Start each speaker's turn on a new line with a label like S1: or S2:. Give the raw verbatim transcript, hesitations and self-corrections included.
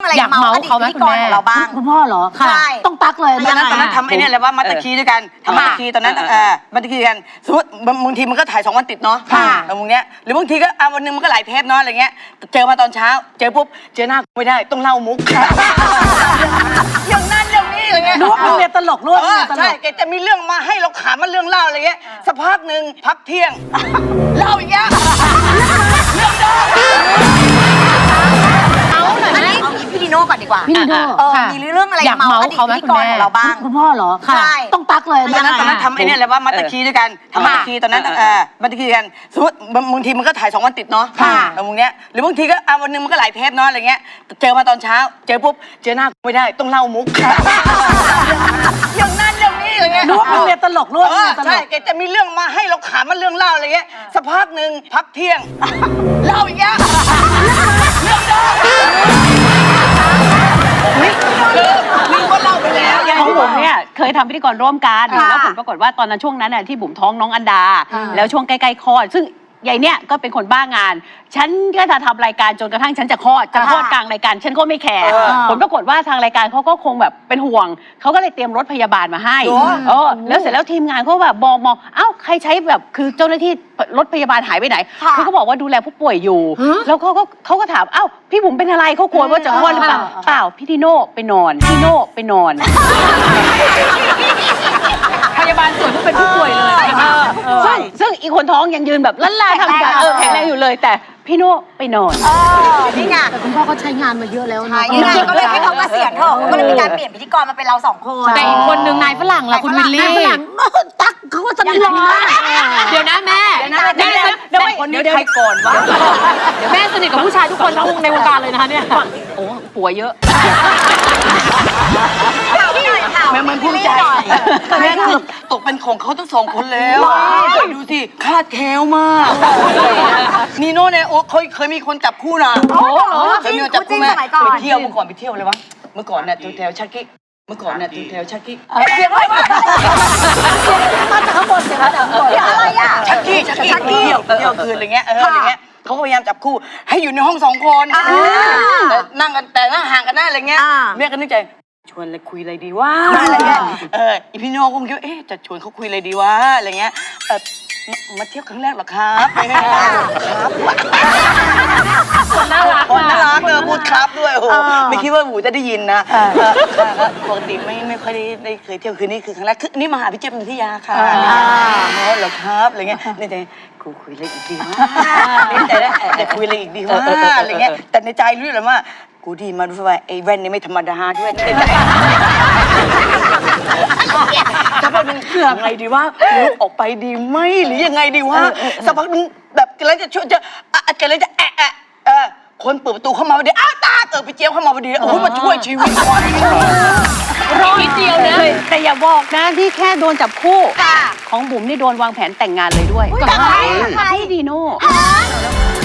S1: อะไรเมาอดีตพิธีกรของเราบ้าง
S2: คุณพ่อเหรอค่ะต้องตักเลย
S3: ตอนนั้นตอนนั้นทำไอ้นี่อะไรว่ามัตตคีด้วยกันทำมัตตคีตอนนั้นเออมัตตคีกันสมมติบางทีมันก็ถ่ายสองวันติดเนาะบางเนี้ยหรือบางทีก็อ่ะวันนึงมันก็หลายเทปเนาะอะไรเงี้ยเจอมาตอนเช้าเจอปุ๊บเจอหน้าไม่ได้ต้องเล่ามุกอย่างนั้นอย่างนี้อะไรเงี้ย
S2: นึกว่าเป็นเมียตลกรู้ว่า
S3: ใช่แกจะมีเรื่องมาให้เราขำมาเรื่องเล่าอะไรเงี้ยสักพักหนึ่งพักเที่ยงเล่าอีกแล้วเรื่องเดิม
S1: เอาหน่อยไหมเอางี้พี่ดิโน่ก่อนดีกว่า
S2: พี่ดิโน่
S1: มีเรื่องอะไรเมาอดีตพิธีกรของเราบ้าง
S2: คุณพ่อเหรอค่ะต้องตักเลย
S3: ตอนนั้นตอนนั้นทำไอ้นี่อะไรว่ามัตตคีด้วยกันทำมัตตคีตอนนั้นเออมัตตคีกันสมมติบางทีมันก็ถ่ายสองวันติดเนาะบางเนี้ยหรือบางทีก็อ่ะวันนึงมันก็หลายเทปเนาะอะไรเงี้ยเจอมาตอนเช้าเจอปุ๊บเจอหน้าไม่ได้ต้องเล่ามุกอย่างนั้นอย่างนี้อะไรเงี้ย
S2: นึกว่าเป็นเมียตลกรู้ว่า
S3: ใช่แกจะมีเรื่องมาให้เราขำมาเรื่องเล่าอะไรเงี้ยสักพักหนึ่งพักเที่ยงเล่าอีกแล้วเรื่องเดิมลืมว่าเล่าไปแล้ว
S4: ของผมเนี่ยเคยทำพิธีกรร่วมกันแล้วผลปรากฏว่าตอนนั้นช่วงนั้นน่ะที่บุ๋มท้องน้องอันดาแล้วช่วงใกล้ๆคลอดซึ่งยายเนี่ยก็เป็นคนบ้างานฉันก็จะทำรายการจนกระทั่งฉันจะคลอดจะคลอดกลางรายการฉันก็ไม่แคร์ผลปรากฏว่าทางรายการเขาก็คงแบบเป็นห่วงเขาก็เลยเตรียมรถพยาบาลมาให้เออแล้วเสร็จแล้วทีมงานเขาแบบมองมองเอ้าใครใช้แบบคือเจ้าหน้าที่รถพยาบาลหายไปไหนคือเขาบอกว่าดูแลผู้ป่วยอยู่แล้วเขาก็เขาก็ถามเอ้าพี่บุ๋มเป็นอะไรเขากลัวว่าจะคลอดหรือเปล่าเปล่าพี่ดิโน่ไปนอนพี่โน่ไปนอนพยาบาลส่วนที่เป็นผู้ป่วยเลยซึ่งซึ่งอีกคนท้องยังยืนแบบลั่นลาทำการเออแข็งแรงอยู่เลยแต่พี่โน่ไปนอน
S1: นี่ไง
S2: แต่คุณพ่อก็ใช้งานมาเยอะแล้วนะ
S1: นี่ไงก็เลยให้เขาเกษียณเถอะก็เลยมีการเปลี่ยนพิธีกรมาเป็นเราสองคน
S2: แต่อีกคนนึงนายฝรั่งล่ะคุณวิลลี่นายฝรั่งตักเขาก็สนิทกันมาก
S4: เดี๋ยวนะแม่
S3: แม่เดี๋ยวคนนี้ใครก่อนวะ
S4: เดี๋ยวแม่สนิทกับผู้ชายทุกคนทั้งในวงการเลยนะคะเนี่ยโอ้ผัวเยอะ
S3: แม่มันภูมิใจแม่คือตกเป็นของเขาทั้งสองคนแล้วดูสิคาดแคล้วมากนีโน่เนี่ยโอ้เคยเคยมีคนจับคู่นะเคยมีคนจับคู่แม่ไปเที่ยวเมื่อก่อนไปเที่ยวเลยวะเมื่อก่อนเนี่ยแถวชักกี้เมื่อก่อนเนี่ยแถวชักกี้
S1: เสียงอะไรมามาจากข้างบนเสียงมาจากข้างบนอะไรอ่ะ
S3: ชักกี้ชักกี้เที่ยวเที่ยวคืนอะไรเงี้ยเอออะไรเงี้ยเขาก็พยายามจับคู่ให้อยู่ในห้องสองคนแต่นั่งกันแต่นั่งห่างกันหน้าอะไรเงี้ยแม่ก็นึกใจชวนอะไรคุยอะไรดีวะอะไรเงี้ยเอออีพี่โน่คงคิดว่าเอ๊ะจะชวนเขาคุยอะไรดีวะอะไรเงี้ยเออมาเที่ยวครั้งแรกหรอครับครับ
S4: คนน่ารัก
S3: คนน่ารักเลยพูดครับด้วยโอ้ไม่คิดว่าหมูจะได้ยินนะปกติไม่ไม่ค่อยได้ได้เคยเที่ยวคืนนี้คือครั้งแรกคือนี่มาหาพี่เจี๊ยบนันทิยาค่ะอ๋อเหรอครับอะไรเงี้ยในใจกูคุยอะไรอีกดีวะในใจแล้วจะคุยอะไรอีกดีวะอะไรเงี้ยแต่ในใจรู้เลยว่ากูดีมาดูว่าไอ้แว่นนี่ไม่ธรรมดาด้วยสักพักนึงยังไงดีว่าลุกออกไปดีไหมหรือยังไงดีว่าสักพักนึงแบบกำลังจะช่วยจะกำลังจะแอะแอะเออคนเปิดประตูเข้ามาพอดีอ้าวตาเกิดไปเจี๊ยบเข้ามาพอดีโอ้โหมาช่วยชีวิต
S4: รอนิดเดียวนะแต่อย่าบอกนะที่แค่โดนจับคู่ของบุ๋มนี่โดนวางแผนแต่งงานเลยด้วยกับพี่ดีโน่